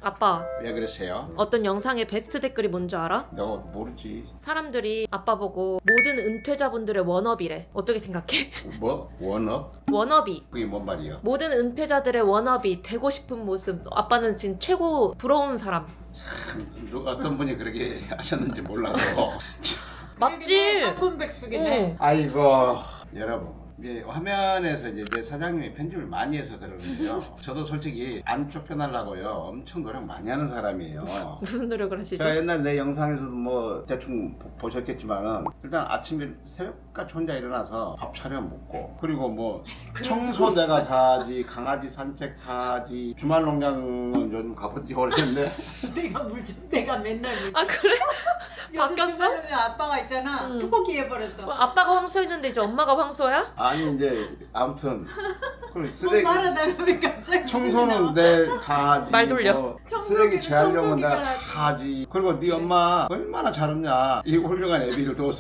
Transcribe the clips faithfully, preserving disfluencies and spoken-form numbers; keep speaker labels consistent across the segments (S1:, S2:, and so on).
S1: 아빠,
S2: 왜 그러세요?
S1: 어떤 영상의 베스트 댓글이 뭔지 알아?
S2: 너 모르지.
S1: 사람들이 아빠 보고 모든 은퇴자분들의 워너비래. 어떻게 생각해?
S2: 뭐? 원업?
S1: 워너비.
S2: 그게 뭔 말이야?
S1: 모든 은퇴자들의 워너비, 되고 싶은 모습. 아빠는 지금 최고 부러운 사람.
S2: 누가 어떤 분이 그렇게 하셨는지 몰라서.
S1: 맞지?
S3: 황금백숙이네.
S2: 아이고 여러분. 이제 화면에서 이제 내 사장님이 편집을 많이 해서 그러는데요. 저도 솔직히 안 쫓겨나려고요. 엄청 노력 많이 하는 사람이에요.
S1: 무슨 노력을 하시죠?
S2: 제가 옛날 내 영상에서도 뭐 대충 보- 보셨겠지만은 일단 아침에 새벽까지 혼자 일어나서 밥 차려 먹고 그리고 뭐 청소 내가 다 하지 강아지 산책 다 하지 주말 농장은 요즘 가본 지 오래됐는데
S3: 내가 물좀 내가 맨날 물.
S1: 아 그래?
S3: 요즘
S1: 바뀌었어?
S3: 주말에는 아빠가 있잖아.
S1: 응.
S3: 포기해버렸어.
S1: 뭐 아빠가 황소였는데 이제 엄마가 황소야?
S2: 아니 이제 아무튼 그리고
S3: 뭐
S2: 쓰레기
S3: 말하다가 왜 갑자기
S2: 청소는 내다 하지
S1: 말 돌려.
S2: 뭐
S3: 청소기는
S2: 쓰레기 재활용은 내가
S3: 청소기가
S2: 다 하지 그리고 네 엄마 얼마나 잘했냐 이 훌륭한 애비를 둬서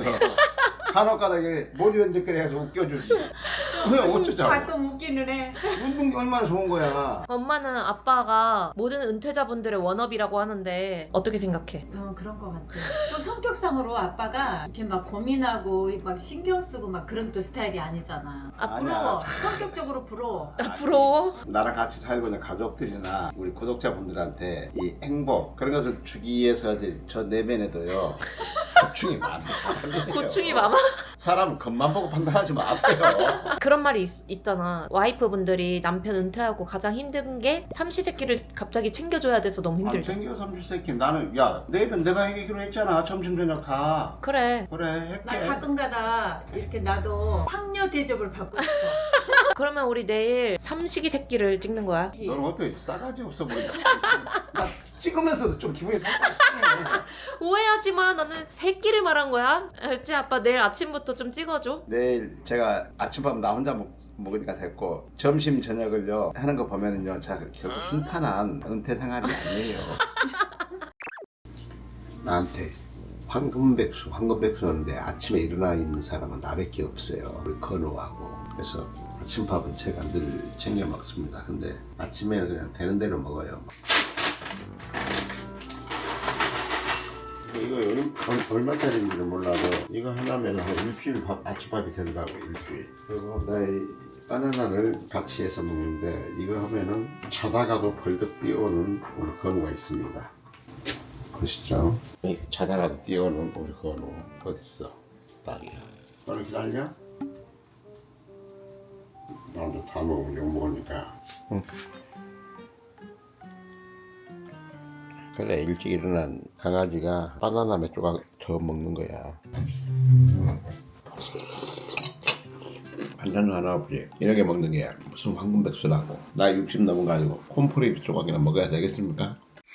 S2: 간혹가다가 모지런짓거리 해서 웃겨주지 왜 어쩌자고
S3: 가끔 웃기는 해.
S2: 웃는 게 얼마나 좋은 거야.
S1: 엄마는 아빠가 모든 은퇴자분들의 워너비라고 하는데 어떻게 생각해?
S3: 어 그런 것 같아. 또 성격상으로 아빠가 이렇게 막 고민하고 막 신경 쓰고 막 그런 또 스타일이 아니잖아. 아
S2: 아니야.
S3: 부러워. 성격적으로 부러워.
S1: 아 부러워?
S2: 나랑 같이 살고 있는 가족들이나 우리 구독자분들한테 이 행복 그런 것을 주기 위해서 이제 저 내면에도요 고충이 많아요.
S1: 고충이 많아?
S2: 사람 겉만 보고 판단하지 마세요.
S1: 그런 말이 있, 있잖아. 와이프분들이 남편 은퇴하고 가장 힘든 게 삼시세끼를 갑자기 챙겨줘야 돼서 너무
S2: 안
S1: 힘들대.
S2: 챙겨 삼십세끼 나는 야 내일은 내가 해기로 했잖아 점심 저녁 다
S1: 그래.
S2: 그래
S3: 나
S2: 할게.
S3: 가끔가다 이렇게 나도 황녀 대접을 받고 싶어.
S1: 그러면 우리 내일 삼식이 새끼를 찍는 거야.
S2: 너는 어떻게 싸가지 없어 보인다. 나 찍으면서도 좀 기분이 살짝 상해.
S1: 오해하지 마. 나는 새끼를 말한 거야. 알지? 아빠 내일 아침부터 좀 찍어줘.
S2: 내일 제가 아침밥 나 혼자 먹, 먹으니까 됐고 점심 저녁을요 하는 거 보면은요 자 결국 순탄한 은퇴 생활이 아니에요. 나한테 황금백수 황금백수인데 아침에 일어나 있는 사람은 나밖에 없어요. 우리 건우하고. 그래서 아침밥은 제가 늘 챙겨 먹습니다. 근데 아침에는 그냥 되는 대로 먹어요. 이거 얼, 얼마짜리인지는 몰라도 이거 하나면 한 일주일 밥, 아침밥이 된다고 일주일. 그리고 나의 바나나를 같이 해서 먹는데 이거 하면은 자다가도 벌떡 뛰어오는 우리 건우가 있습니다. 보시죠. 자다가도 뛰어오는 우리 건우 어딨어? 딸이야. 건우 기다려? 나도 다 먹으면 욕 먹으니까. 응. 그래 일찍 일어난 강아지가 바나나 몇 조각 더 먹는 거야. 반찬 하나 없지. 이렇게 먹는 게 무슨 황금백수라고. 나 육십 넘은 거 가지고 콘프레이 조각이나 먹어야 되겠습니까?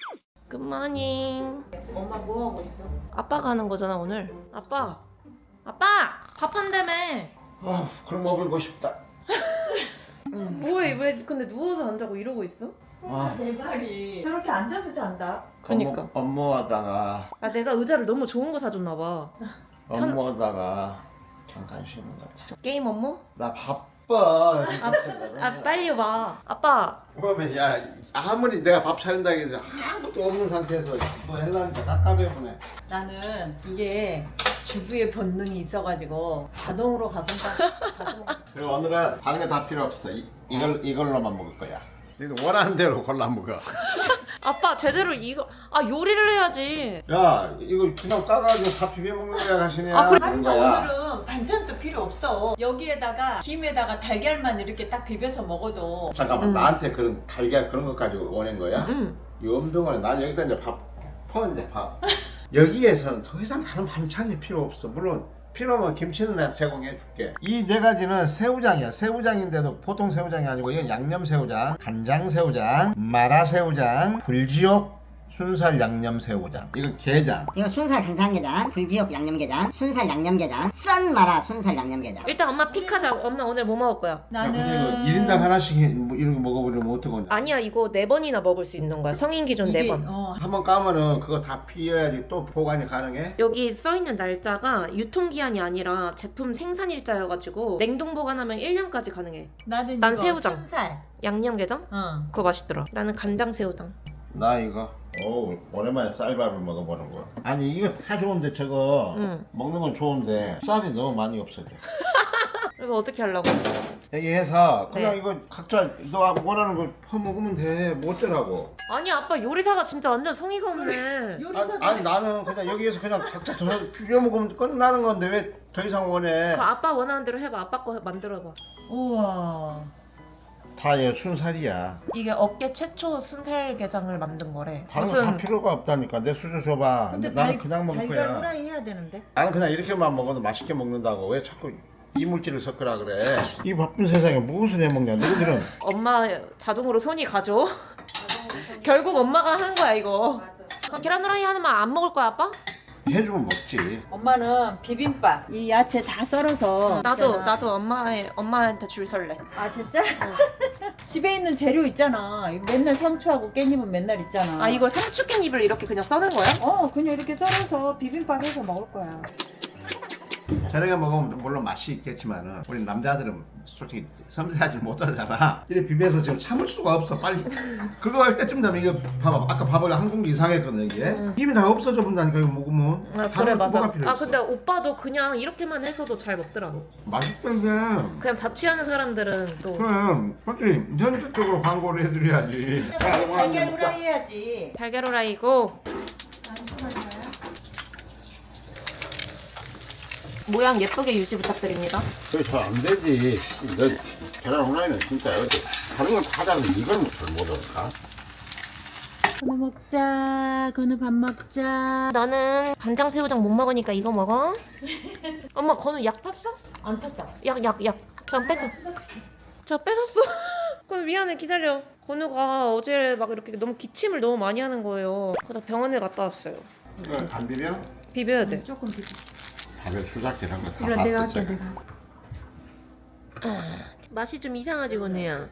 S1: 굿모닝.
S3: 엄마 뭐 하고 있어?
S1: 아빠가 하는 거잖아 오늘. 아빠. 아빠. 밥 한다며.
S2: 아 그럼 먹을고 싶다.
S1: 뭐해? 왜 근데 누워서 안 자고 이러고 있어?
S2: 아
S3: 내 말이 저렇게 앉아서 잔다.
S1: 그니까.
S2: 업무, 업무하다가
S1: 아 내가 의자를 너무 좋은 거 사줬나 봐.
S2: 업무하다가 잠깐 쉬는 거야.
S1: 게임 업무?
S2: 나 바빠.
S1: 아 빨리 와. 아빠.
S2: 그러면 야 아무리 내가 밥 차린다고 해서 아무것도 없는 상태에서 또 해라니까 깝깝해보네.
S3: 나는 이게 주부의 본능이 있어가지고 자동으로 가본다. 자동.
S2: 그리고 오늘은 다른 거 다 필요 없어. 이, 이걸 이걸로만 먹을 거야. 너희들 원하는 대로 골라 먹어.
S1: 아빠 제대로 이거 아 요리를 해야지.
S2: 야 이거 그냥 까가지고 다 비벼 먹는 거야 하시냐?
S1: 아, 그래?
S2: 그런
S3: 그래서
S2: 거야.
S3: 오늘은 반찬도 필요 없어. 여기에다가 김에다가 달걀만 이렇게 딱 비벼서 먹어도.
S2: 잠깐만
S1: 음.
S2: 나한테 그런 달걀 그런 것 가지고 원한 거야?
S1: 응.
S2: 연병원에 난 여기다 이제 밥 퍼 이제 밥. 여기에서는 더 이상 다른 반찬이 필요 없어. 물론 필요하면 김치는 내가 제공해 줄게. 이 네 가지는 새우장이야. 새우장인데도 보통 새우장이 아니고 이건 양념 새우장, 간장 새우장, 마라 새우장, 불지옥 순살 양념 새우장. 이건 게장.
S4: 이거 순살 간장게장, 불지옥 양념게장, 순살 양념게장, 썬 마라 순살 양념게장.
S1: 일단 엄마 픽하자. 엄마 오늘 뭐 먹을 거야?
S2: 야,
S3: 나는
S2: 근데 이거 일 인당 하나씩 해- 뭐 이런 거 먹어보려면 어떡하냐.
S1: 아니야 이거 네 번이나 먹을 수 있는 거야. 성인 기준
S3: 이게,
S1: 네 번.
S3: 어,
S2: 한번 까면은 그거 다 비워야지 또 보관이 가능해?
S1: 여기 써있는 날짜가 유통기한이 아니라 제품 생산일자여가지고 냉동 보관하면 일 년까지 가능해.
S3: 나는
S1: 난
S3: 이거
S1: 새우장.
S3: 순살.
S1: 양념게장?
S3: 어.
S1: 그거 맛있더라. 나는 간장 새우장.
S2: 나 이거 오 오랜만에 쌀밥을 먹어보는 거야. 아니 이거 다 좋은데 저거
S1: 응.
S2: 먹는 건 좋은데 쌀이 너무 많이 없어져.
S1: 그래서 어떻게 하려고?
S2: 여기 해서 그냥
S1: 네.
S2: 이거 각자 너 원하는 거 퍼먹으면 돼. 뭐 어쩌라고.
S1: 아니 아빠 요리사가 진짜 완전 성의가 없네.
S2: 아니,
S3: 요리사가
S2: 아니 나는 그냥 여기에서 그냥 각자 더 비벼 먹으면 끝나는 건데 왜 더 이상 원해.
S1: 그 아빠 원하는 대로 해봐. 아빠 거 만들어봐.
S3: 우와.
S2: 다 얘 순살이야.
S1: 이게 업계 최초 순살게장을 만든 거래.
S2: 다른 거 다 필요가 없다니까. 내 수저 줘봐.
S3: 근데
S2: 나는
S3: 달,
S2: 그냥 먹을
S3: 달걀
S2: 거야.
S3: 후라이 해야 되는데.
S2: 나는 그냥 이렇게만 먹어도 맛있게 먹는다고. 왜 자꾸 이물질을 섞으라 그래. 이 바쁜 세상에 무엇을 해먹냐 너희들은.
S1: 엄마 자동으로 손이 가죠. 결국 엄마가 하는 거야 이거.
S3: 맞아.
S1: 그럼 계란 후라이 하나만 안 먹을 거야 아빠?
S2: 해주면 먹지.
S3: 엄마는 비빔밥 이 야채 다 썰어서
S1: 나도
S3: 있잖아.
S1: 나도 엄마의 엄마한테 줄 설래.
S3: 아 진짜? 집에 있는 재료 있잖아. 맨날 상추하고 깻잎은 맨날 있잖아.
S1: 아 이걸 상추 깻잎을 이렇게 그냥 써는 거야?
S3: 어 그냥 이렇게 썰어서 비빔밥 해서 먹을 거야.
S2: 저녁에 먹으면 물론 맛이 있겠지만은 우리 남자들은 솔직히 섬세하지 못하잖아. 이래 비벼서 지금 참을 수가 없어. 빨리 그거 할 때쯤 되면 이거 봐봐. 아까 밥을 한 공기 이상 했거든 이게.
S1: 응.
S2: 힘이 다 없어져 본다니까 이거 먹으면.
S1: 아,
S2: 다른
S1: 그래
S2: 거
S1: 맞아.
S2: 뭐가 필요
S1: 아
S2: 있어.
S1: 근데 오빠도 그냥 이렇게만 해서도 잘 먹더라고.
S2: 맛있던데.
S1: 그냥 자취하는 사람들은 또
S2: 그럼 솔직히 현실적으로 광고를 해드려야지.
S3: 달걀 후라이 해야지.
S1: 달걀 후라이고 모양 예쁘게 유지 부탁드립니다.
S2: 그게 잘 안 되지. 너 계란 후라이는 진짜 어디 다른 건 다 다른데 이걸 잘 못할까?
S3: 건우 먹자. 건우 밥 먹자.
S1: 나는 간장 새우장 못 먹으니까 이거 먹어. 엄마 건우 약 탔어?
S3: 안 탔다.
S1: 약 약 약. 저 뺏어. 저 뺏었어. 건우 미안해 기다려. 건우가 어제 막 이렇게 너무 기침을 너무 많이 하는 거예요. 그래서 병원에 갔다 왔어요.
S2: 이거 안 비벼?
S1: 비벼야 돼.
S3: 조금 비빔.
S2: 밥에 수작질 한거 다
S3: 그래 내가
S2: 봤어
S3: 할게
S2: 제가.
S3: 내가.
S1: 맛이 좀 이상하지 건우야.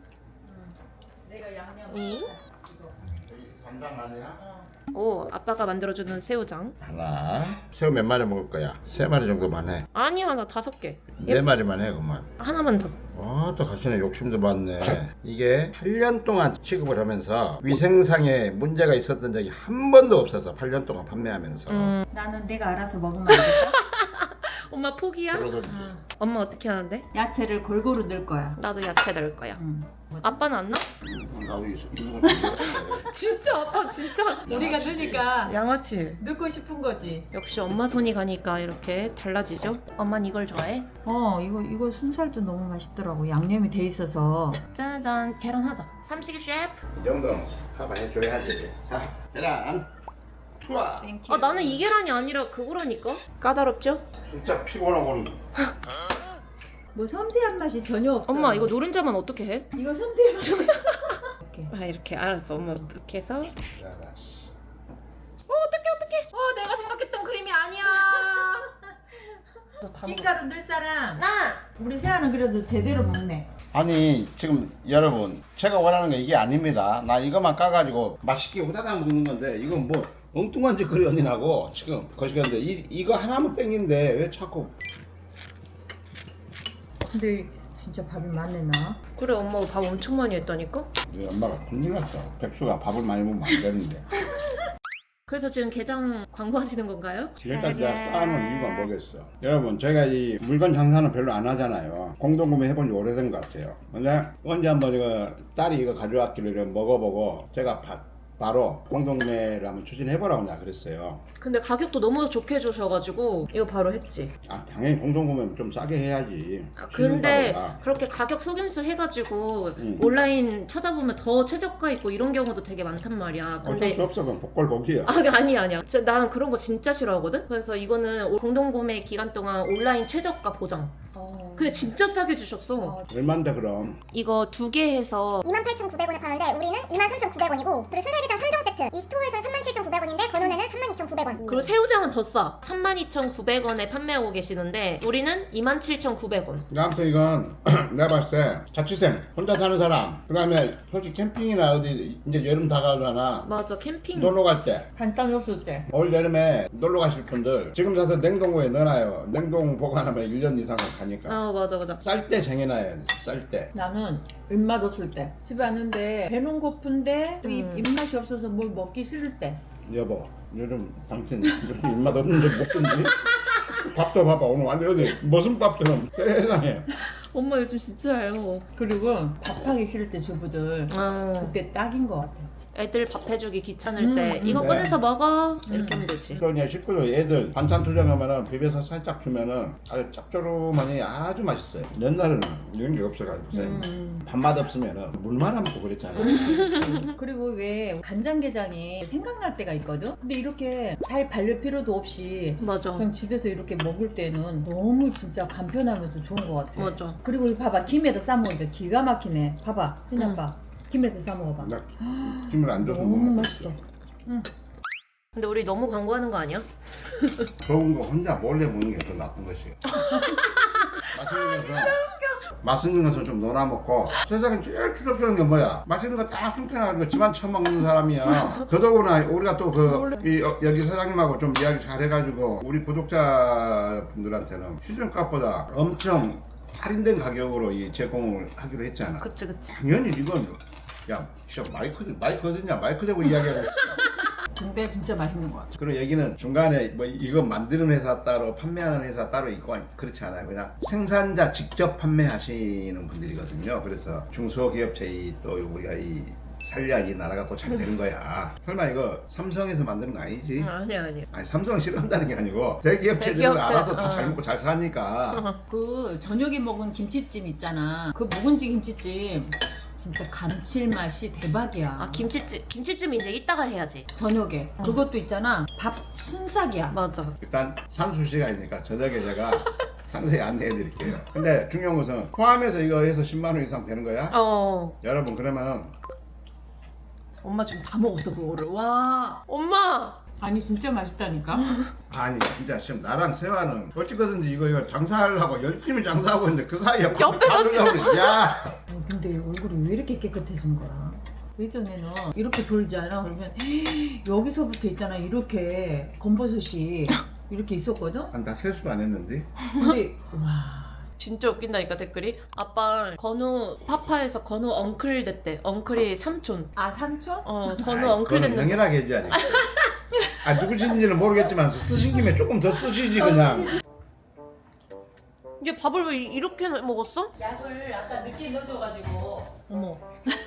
S3: 내가 양념.
S1: 응?
S2: 간장 아니야?
S1: 오 아빠가 만들어주는 새우장.
S2: 하나. 새우 몇 마리 먹을 거야? 세 마리 정도만 해.
S1: 아니야 나 다섯 개.
S2: 네 마리만 해 그만.
S1: 하나만 더.
S2: 아, 또 가시네. 욕심도 많네. 이게 팔 년 동안 취급을 하면서 위생상에 문제가 있었던 적이 한 번도 없어서 팔 년 동안 판매하면서.
S1: 음.
S3: 나는 내가 알아서 먹으면 안 될까?
S1: 엄마 포기야?
S2: 그러더니
S3: 응.
S1: 엄마 어떻게 하는데?
S3: 야채를 골고루 넣을 거야.
S1: 나도 야채 넣을 거야.
S3: 응.
S1: 아빠는 안 나?
S2: 나도 있어. 이거 좀
S1: 진짜 아빠 진짜.
S3: 우리가 넣으니까
S1: 양아치.
S3: 넣고 싶은 거지.
S1: 역시 엄마 손이 가니까 이렇게 달라지죠? 엄마는 이걸 좋아해?
S3: 어 이거 이거 순살도 너무 맛있더라고. 양념이 돼 있어서.
S1: 짜잔 계란 하자. 삼식이 셰프.
S2: 이 정도는 커버해줘야지. 자, 계란. 투하.
S1: 아 나는 이 계란이 아니라 그거라니까. 까다롭죠?
S2: 진짜 피곤하고는.
S3: 뭐 섬세한 맛이 전혀 없어.
S1: 엄마 이거 노른자만 어떻게 해?
S3: 이거 섬세한 맛. 이렇게.
S1: 아 이렇게 알았어 엄마 이렇게 해서. 어
S2: 알았어.
S1: 어떡해 어떡해. 어 내가 생각했던 그림이 아니야. 다 먹었어.
S3: 흰가루 넣을 사람.
S1: 나.
S3: 우리 세아는 그래도 제대로 먹네.
S2: 아니 지금 여러분 제가 원하는 게 이게 아닙니다. 나 이것만 까가지고 맛있게 우다닥 먹는 건데 이건 뭐 엉뚱한 짓거리 언니라고 지금 거시기한데 이 이거 하나면 땡긴데 왜 자꾸.
S3: 근데 진짜 밥이 많네 나.
S1: 그래 엄마가 밥 엄청 많이 했다니까.
S2: 우리 엄마가 큰일 났어. 백수가 밥을 많이 먹으면 안 되는데.
S1: 그래서 지금 게장 광고하시는 건가요?
S2: 지금까지 내가 쌓아놓은 이유가 뭐겠어. 여러분 제가 이 물건 장사는 별로 안 하잖아요. 공동구매 해본 지 오래된 것 같아요. 근데 언제 한번 이거 딸이 이거 가져왔길래 이거 먹어보고 제가 바, 바로 공동구매를 한번 추진해보라고 내가 그랬어요.
S1: 근데 가격도 너무 좋게 해주셔가지고 이거 바로 했지.
S2: 아 당연히 공동구매는 좀 싸게 해야지.
S1: 아, 근데
S2: 쉬운가 보다.
S1: 그렇게 가격 속임수 해가지고
S2: 응.
S1: 온라인 찾아보면 더 최저가 있고 이런 경우도 되게 많단 말이야.
S2: 어쩔 수
S1: 근데
S2: 없어. 그건 복골복이야.
S1: 아 아니 아니야. 진짜 난 그런 거 진짜 싫어하거든. 그래서 이거는 공동구매 기간 동안 온라인 최저가 보장.
S3: 어.
S1: 근데 진짜 싸게 주셨어.
S3: 어.
S2: 얼만데 그럼?
S1: 이거 두 개 해서
S5: 이만 팔천구백 원에 파는데 우리는 이만 삼천구백 원이고 그리고 순살게장 삼 종 세트 이 스토어에서는 삼만 칠천구백 원인데 건원에는 삼만 이천구백 원.
S1: 그리고 새우장은 더 싸. 삼만 이천구백 원에 판매하고 계시는데 우리는 이만 칠천구백 원.
S2: 아무튼 이건 내가 봤을 때 자취생 혼자 사는 사람 그 다음에 솔직히 캠핑이나 어디 이제 여름 다가오잖아.
S1: 맞아 캠핑.
S2: 놀러 갈 때
S3: 간단히 없을 때.
S2: 올 여름에 놀러 가실 분들 지금 사서 냉동고에 넣어놔요. 냉동 보관하면 일 년 이상은 가니까.
S1: 아 맞아 맞아.
S2: 쌀 때 쟁여놔야 돼. 쌀 때.
S3: 나는 입맛 없을 때 집에 왔는데 배는 고픈데 또 입,
S1: 음.
S3: 입맛이 없어서 뭘 먹기 싫을 때
S2: 여보, 요즘 당신 이렇게 입맛 없는데 먹던지? 밥도 봐봐, 오늘 완전 어디 무슨 밥처럼 세상에.
S1: 엄마 요즘 진짜예요.
S3: 그리고 밥하기 싫을 때 주부들
S1: 어.
S3: 그때 딱인 것 같아.
S1: 애들 밥 해주기 귀찮을
S3: 음,
S1: 때
S3: 음.
S1: 이거
S2: 네.
S1: 꺼내서 먹어 이렇게
S3: 음.
S1: 하면 되지.
S2: 그러니까 식구들 애들 반찬 투정하면은 비벼서 살짝 주면은 아주 짭조름하니 아주 맛있어요. 옛날에는 이런 게 없어가지고
S3: 음.
S2: 밥맛 없으면은 물만 안 먹고 그랬잖아.
S3: 그리고 왜 간장게장이 생각날 때가 있거든? 근데 이렇게 살 바를 필요도 없이
S1: 맞아.
S3: 그냥 집에서 이렇게 먹을 때는 너무 진짜 간편하면서 좋은 것 같아.
S1: 맞아.
S3: 그리고 이거 봐봐, 김에다 싸먹으니까 기가 막히네. 봐봐, 그냥
S1: 응.
S3: 봐. 김에다 싸먹어봐.
S2: 나 김을 안 줘서
S3: 너무
S2: 못 먹어.
S3: 맛있어.
S1: 근데 우리 너무 광고하는 거 아니야?
S2: 좋은 거 혼자 몰래 먹는 게 더 나쁜 것이에요. 맛있는 것은 맛있는 것은 좀 놀아 먹고 세상에 제일 추접스러운 게 뭐야? 맛있는 거 다 숨겨놔가지고 집안 처먹는 사람이야. 더더구나 우리가 또 그 여기 사장님하고 좀 이야기 잘 해가지고 우리 구독자분들한테는 시중값보다 엄청 할인된 가격으로 이 제공을 하기로 했잖아.
S1: 그치 그치.
S2: 당연히 이건 야 진짜 마이크 마이크 어딨냐 마이크 대고 이야기하고.
S3: 근데 진짜 맛있는 것 같아.
S2: 그리고 여기는 중간에 뭐 이거 만드는 회사 따로 판매하는 회사 따로 있고 그렇지 않아요. 그냥 생산자 직접 판매하시는 분들이거든요. 그래서 중소기업체이 또 우리가 이 살려야 이 나라가 또 잘 되는 거야. 설마 이거 삼성에서 만드는 거 아니지?
S1: 아니 아니.
S2: 아니 삼성 싫어한다는 게 아니고 대기업체들은
S1: 대기업체,
S2: 알아서 다
S1: 어.
S2: 잘 먹고 잘 사니까.
S3: 그 저녁에 먹은 김치찜 있잖아. 그 묵은지 김치찜 진짜 감칠맛이 대박이야.
S1: 아 김치찜 김치찜 이제 이따가 해야지.
S3: 저녁에 그것도 있잖아. 밥 순삭이야.
S1: 맞아.
S2: 일단 산수시가 있으니까 저녁에 제가 상세히 안내해 드릴게요. 근데 중요한 것은 포함해서 이거 해서 십만 원 이상 되는 거야?
S1: 어.
S2: 여러분 그러면
S1: 엄마 지금 다 먹었어 그거를. 와. 엄마.
S3: 아니 진짜 맛있다니까.
S2: 아니 진짜 지금 나랑 세화는 어찌거든지 이거 이거 장사하려고 열심히 장사하고 있는데 그 사이에
S1: 옆에서
S2: 지금 야
S3: 아니, 근데 얼굴이 왜 이렇게 깨끗해진 거야? 예전에는 이렇게 돌잖아. 그러면 여기서부터 있잖아. 이렇게 검버섯이 이렇게 있었거든.
S2: 나 세수도 안 했는데
S3: 근데 와.
S1: 진짜 웃긴다니까 댓글이. 아빠 건우 파파에서 건우 엉클 됐대. 엉클이 삼촌.
S3: 아 삼촌?
S1: 어 건우
S2: 아이,
S1: 엉클
S2: 그건
S1: 됐는데.
S2: 명예하게 해줘야지. 아 누구신지는 모르겠지만 쓰신 김에 조금 더 쓰시지 그냥.
S1: 얘 밥을 왜 이렇게 먹었어?
S3: 약을 아까 늦게 넣어줘가지고. 어머.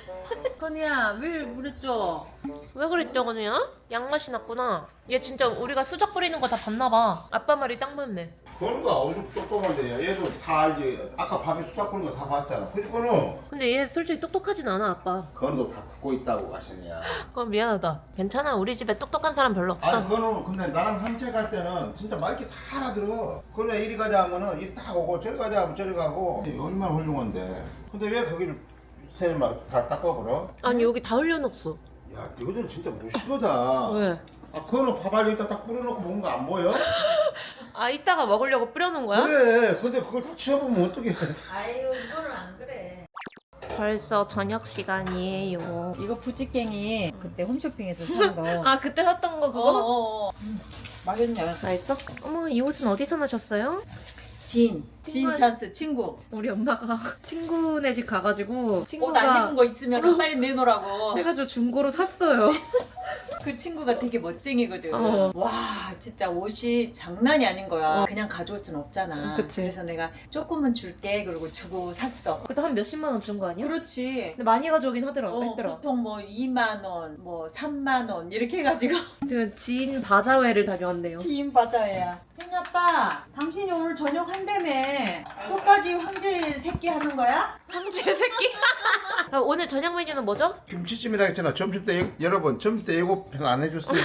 S3: 건이야 왜 그랬죠?
S1: 왜 그랬죠 건우야? 양맛이 났구나. 얘 진짜 우리가 수작 부리는 거 다 봤나 봐. 아빠 말이 딱 맞네.
S2: 그런가 어디 똑똑한데 얘도 다 알지. 아까 밥에 수작 부는 거 다 봤잖아. 그지 건우?
S1: 근데 얘 솔직히 똑똑하진 않아 아빠.
S2: 건우도 다 듣고 있다고 하시네요.
S1: 그건 미안하다. 괜찮아. 우리 집에 똑똑한 사람 별로 없어.
S2: 아니 건우 근데 나랑 산책할 때는 진짜 말귀 다 알아들어. 건우야 이리 가자 하면은 이리 딱 오고 저리 가자 하면 저리 가고 얼마나 훌륭한데. 근데 왜 거기를 세막다 닦아버려?
S1: 아니 여기 다 흘려놓았어.
S2: 야 너희들은 진짜 무식하다.
S1: 왜?
S2: 아 건우 밥알 여기다 딱 뿌려놓고 먹는 거 안 보여?
S1: 아 이따가 먹으려고 뿌려놓은 거야?
S2: 그래 근데 그걸 다 치워보면 어떡해.
S3: 아유 이거는 안 그래.
S1: 벌써 저녁 시간이에요.
S3: 이거 부찌깽이 그때 홈쇼핑에서 산 거.
S1: 아 그때 샀던 거
S3: 어,
S1: 그거?
S3: 어, 어. 음, 맛있냐?
S1: 맛있어? 어머 이 옷은 어디서 나셨어요?
S3: 진. 진
S1: 친구한-
S3: 찬스 친구.
S1: 우리 엄마가 친구네 집 가가지고
S3: 옷
S1: 친구가
S3: 안 입은 거 있으면 빨리 내놓으라고.
S1: 해가지고 중고로 샀어요.
S3: 그 친구가 되게 멋쟁이거든.
S1: 어.
S3: 와 진짜 옷이 장난이 아닌 거야.
S1: 어.
S3: 그냥 가져올 순 없잖아.
S1: 그치.
S3: 그래서 내가 조금은 줄게 그러고 주고 샀어.
S1: 그때 한 몇십만 원 준 거 아니야?
S3: 그렇지.
S1: 근데 많이 가져오긴 하더라.
S3: 어,
S1: 했더라.
S3: 보통 뭐 이만 원, 뭐 삼만 원 이렇게 해가지고
S1: 지금 지인 바자회를 다녀왔네요.
S3: 지인 바자회야. 생이 아빠, 당신이 오늘 저녁 한다며. 끝까지 황제 새끼 하는 거야?
S1: 황제 새끼. 아, 오늘 저녁 메뉴는 뭐죠?
S2: 김치찜이라 했잖아. 점심 때 예- 여러분 점심 때 예고편 안 해줬어요?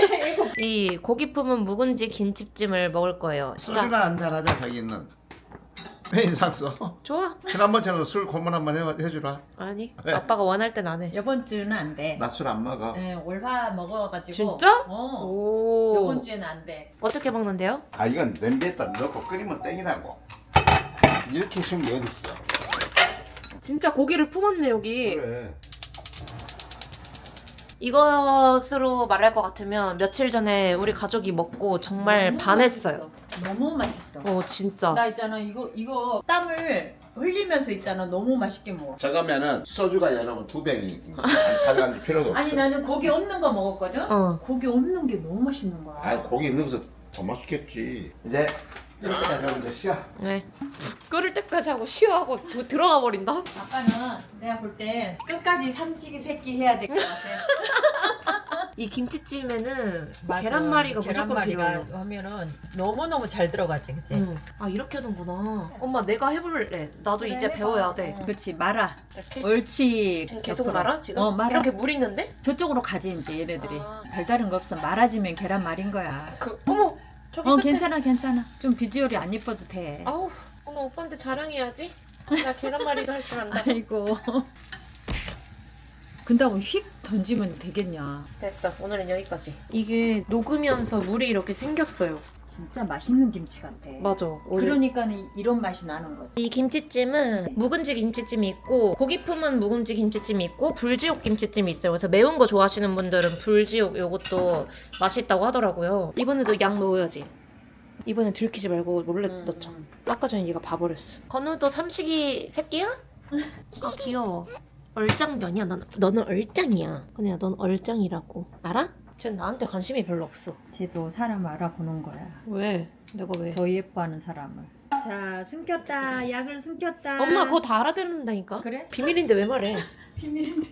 S1: 이 고기 품은 묵은지 김치찜을 먹을 거예요. 자,
S2: 술이나 한잔 하자 자기는. 왜 인상 써?
S1: 좋아.
S2: 지난번처럼 술 고문 한번 해, 해주라.
S1: 아니
S2: 네.
S1: 아빠가 원할 땐 안 해.
S3: 이번 주는 안 돼.
S2: 나 술 안 먹어.
S3: 네, 올화 먹어가지고.
S1: 진짜?
S3: 어.
S1: 오.
S3: 이번 주에는 안 돼.
S1: 어떻게 먹는데요?
S2: 아 이건 냄비에다 넣고 끓이면 땡이라고. 이렇게 쉬운 게 어딨어.
S1: 진짜 고기를 품었네 여기.
S2: 그래.
S1: 이것으로 말할 것 같으면 며칠 전에 우리 가족이 먹고 정말
S3: 너무
S1: 반했어요.
S3: 맛있어. 너무 맛있어.
S1: 어 진짜.
S3: 나 있잖아 이거 이거 땀을 흘리면서 있잖아. 너무 맛있게 먹어.
S2: 저거면은 소주가 여러분 두 병이 가져갈 필요도 없어.
S3: 아니 나는 고기 없는 거 먹었거든.
S1: 어.
S3: 고기 없는 게 너무 맛있는 거야.
S2: 아니 고기 있는 것도 더 맛있겠지. 이제 이렇게 하면 이제 시야.
S1: 네. 끓을 때까지 하고 쉬어하고 도- 들어가 버린다.
S3: 아빠는 내가 볼 때 끝까지 삼식이 새끼 해야 될 것 같아.
S1: 이 김치찜에는
S3: 맞아.
S1: 계란말이가 무조건
S3: 계란말이가
S1: 필요해요.
S3: 하면은 너무너무 잘 들어가지, 그치?
S1: 응. 아 이렇게 하는구나. 엄마 내가 해볼래. 나도
S3: 그래,
S1: 이제
S3: 해봐.
S1: 배워야 돼.
S3: 어. 그렇지, 말아.
S1: 이렇게?
S3: 옳지.
S1: 지금 계속
S3: 옆으로.
S1: 말아 지금?
S3: 어, 말아.
S1: 이렇게 물 있는데?
S3: 저쪽으로 가지 이제 얘네들이.
S1: 아.
S3: 별다른 거 없어. 말아지면 계란말인 거야.
S1: 그 어머 저기
S3: 어,
S1: 끝에.
S3: 괜찮아, 괜찮아. 좀 비주얼이 안 예뻐도 돼.
S1: 아우 오늘 오빠한테 자랑해야지. 나 계란말이도 할 줄 안다.
S3: 아이고. 근다고 휙 던지면 되겠냐.
S1: 됐어. 오늘은 여기까지. 이게 녹으면서 물이 이렇게 생겼어요.
S3: 진짜 맛있는 김치 같아.
S1: 맞아.
S3: 그러니까 이런 맛이 나는 거지.
S1: 이 김치찜은 묵은지 김치찜이 있고 고기 품은 묵은지 김치찜이 있고 불지옥 김치찜이 있어요. 그래서 매운 거 좋아하시는 분들은 불지옥 요것도 맛있다고 하더라고요. 이번에도 양 넣어야지. 이번엔 들키지 말고 몰래
S3: 음,
S1: 넣자.
S3: 음.
S1: 아까 전에 얘가 봐버렸어. 건우도 삼식이 새끼야? 아 귀여워. 얼짱변이야. 넌, 너는 얼짱이야. 그냥 넌 얼짱이라고. 알아? 쟤는 나한테 관심이 별로 없어.
S3: 쟤도 사람 알아보는 거야.
S1: 왜? 내가 왜?
S3: 더 예뻐하는 사람을. 자, 숨겼다. 약을 숨겼다.
S1: 엄마 그거 다 알아듣는다니까?
S3: 그래?
S1: 비밀인데 왜 말해?
S3: 비밀인데.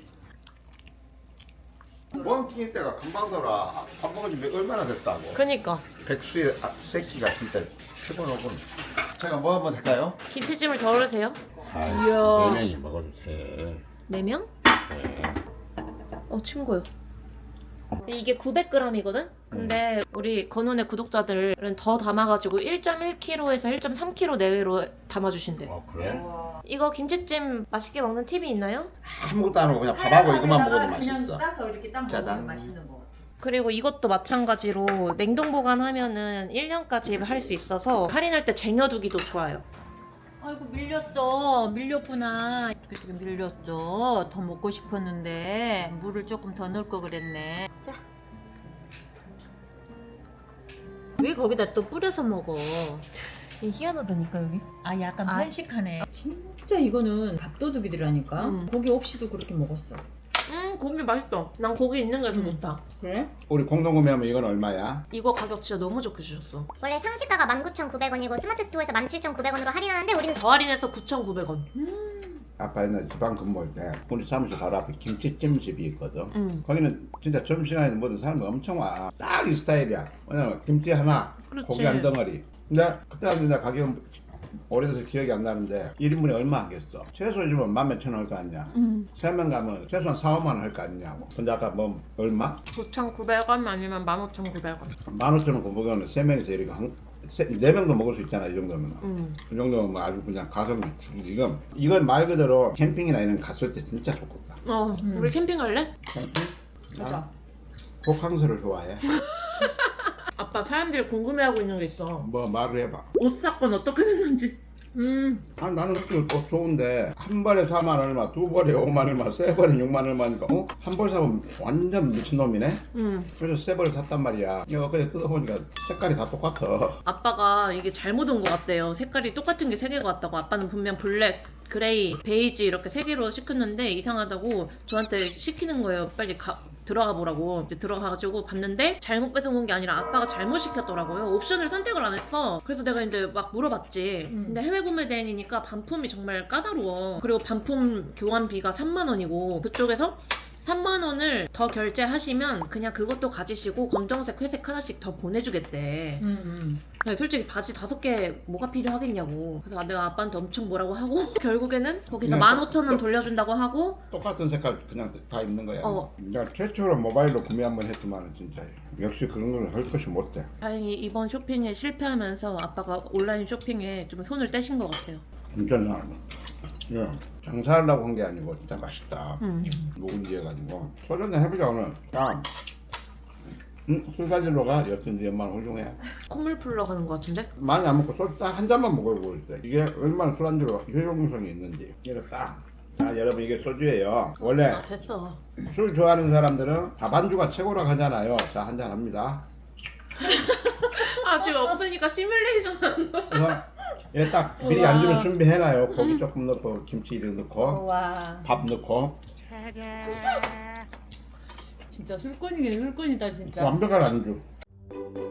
S2: 멍킹이 때가 금방 돌아. 밥 먹은 지 얼마나 됐다고.
S1: 그니까
S2: 백수의 아, 새끼가 진짜 피곤하군. 제가 뭐 한번 할까요?
S1: 김치찜을 덜으세요?
S2: 아,
S1: 이야.
S2: 네 명이 먹어도 돼.
S1: 네 명?
S2: 네.
S1: 어 친구요. 이게 구백 그램이거든? 근데 우리 건훈의 구독자들은 더 담아가지고 일 점 일 킬로그램에서 일 점 삼 킬로그램 내외로 담아주신대.
S2: 어 그래?
S1: 이거 김치찜 맛있게 먹는 팁이 있나요?
S2: 아무것도 안 하고 그냥 밥하고 이것만 먹어도 맛있어.
S3: 그냥 싸서 이렇게 딱
S2: 짜잔.
S3: 먹으면 맛있는 거.
S1: 그리고 이것도 마찬가지로 냉동 보관하면은 일 년까지 할 수 있어서 할인할 때 쟁여두기도 좋아요.
S3: 아이고 밀렸어. 밀렸구나. 이렇게 밀렸죠. 더 먹고 싶었는데 물을 조금 더 넣을 거 그랬네. 자. 왜 거기다 또 뿌려서 먹어?
S1: 희한하다니까 여기.
S3: 아 약간
S1: 아.
S3: 편식하네. 진짜 이거는 밥도둑이더라니까.
S1: 음.
S3: 고기 없이도 그렇게 먹었어.
S1: 음 고기 맛있어. 난 고기 있는 게 더
S3: 음.
S1: 좋다.
S3: 그래?
S2: 우리 공동 구매하면 이건 얼마야?
S1: 이거 가격 진짜 너무 좋게 주셨어.
S5: 원래 상시가가 만 구천구백 원이고 스마트 스토어에서 만 칠천구백 원으로 할인하는데 우리는
S1: 더 할인해서 구천구백 원.
S2: 아빠 옛날 지방 근무할 때 우리 사무실 바로 앞에 김치찜 집이 있거든.
S1: 응.
S2: 거기는 진짜 점심시간에 모든 사람들 엄청 와. 딱 이 스타일이야. 왜냐면 김치 하나,
S1: 그렇지.
S2: 고기 한 덩어리. 근데 그때 당시 내 가격은 오래돼서 기억이 안 나는데 일 인분에 얼마 하겠어? 최소 요즘은 만 몇천 원 할 거 아니야.
S1: 응.
S2: 세 명 가면 최소한 사, 오만 원 할 거 아니냐고. 근데 아까 뭐 얼마?
S1: 구천구백 원 아니면 만 오천구백 원.
S2: 만 오천 원 고보기는 세 명이서 이렇게 한, 세, 네 명도 먹을 수 있잖아 이 정도면.
S1: 응.
S2: 그 정도면 뭐 아주 그냥 가성비 죽이지. 이건 이건 말 그대로 캠핑이나 이런 거 갔을 때 진짜 좋겠다.
S1: 어,
S3: 음.
S1: 우리 캠핑 갈래?
S2: 캠핑?
S3: 가자.
S2: 나 호캉스를 좋아해.
S1: 아빠 사람들이 궁금해하고 있는 게 있어.
S2: 뭐 말을 해봐.
S1: 옷 사건 어떻게 됐는지.
S3: 음.
S2: 아 나는 그거 또 좋은데 한 벌에 사만 얼마, 두 벌에 오만 얼마, 세 벌에 육만 얼마니까 어? 한 벌 사면 완전 미친놈이네?
S1: 응.
S2: 그래서 세 벌을 샀단 말이야. 이거 그냥 뜯어보니까 색깔이 다 똑같아.
S1: 아빠가 이게 잘못 온 것 같대요. 색깔이 똑같은 게 세 개가 왔다고. 아빠는 분명 블랙, 그레이, 베이지 이렇게 세 개로 시켰는데 이상하다고 저한테 시키는 거예요. 빨리 가, 들어가 보라고. 이제 들어가가지고 봤는데 잘못 뺏어온 게 아니라 아빠가 잘못 시켰더라고요. 옵션을 선택을 안 했어. 그래서 내가 이제 막 물어봤지.
S3: 음.
S1: 근데 해외 구매 대행이니까 반품이 정말 까다로워. 그리고 반품 교환비가 삼만 원이고 그쪽에서 삼만 원을 더 결제하시면 그냥 그것도 가지시고 검정색, 회색 하나씩 더 보내주겠대.
S3: 음, 음.
S1: 근데 솔직히 바지 다섯 개 뭐가 필요하겠냐고. 그래서 내가 아빠한테 엄청 뭐라고 하고 결국에는 거기서
S2: 그냥
S1: 만
S2: 또-
S1: 오천 원
S2: 또-
S1: 돌려준다고 하고
S2: 똑같은 색깔 그냥 다 입는 거야.
S1: 어.
S2: 내가 최초로 모바일로 구매 한번 했지만 진짜 역시 그런 걸 할 것이 못돼.
S1: 다행히 이번 쇼핑에 실패하면서 아빠가 온라인 쇼핑에 좀 손을 떼신 것 같아요.
S2: 진짜 나 예, 장사하려고 한 게 아니고 진짜 맛있다.
S1: 음.
S2: 묵은지 해가지고 소주 한잔 해보자 오늘. 야, 응? 술 가지러 가. 여튼 네 엄마는 훌륭해.
S1: 콧물 풀러 가는 것 같은데?
S2: 많이 안 먹고 소주 딱 한 잔만 먹어보고 있대. 이게 얼마나 술안주로 효용성이 있는지. 이거 딱. 자 여러분 이게 소주예요. 원래
S1: 아 됐어.
S2: 술 좋아하는 사람들은 밥 안주가 최고라고 하잖아요. 자 한 잔 합니다.
S1: 아 지금 없으니까 시뮬레이션 하는 거야.
S2: 그래서 이거 딱 미리
S3: 우와.
S2: 안주를 준비해놔요. 고기 조금 넣고 김치 이렇게 넣고
S3: 와
S2: 밥 넣고
S3: 진짜 술꾼이긴 술꾼이다 진짜.
S2: 완벽한 안주.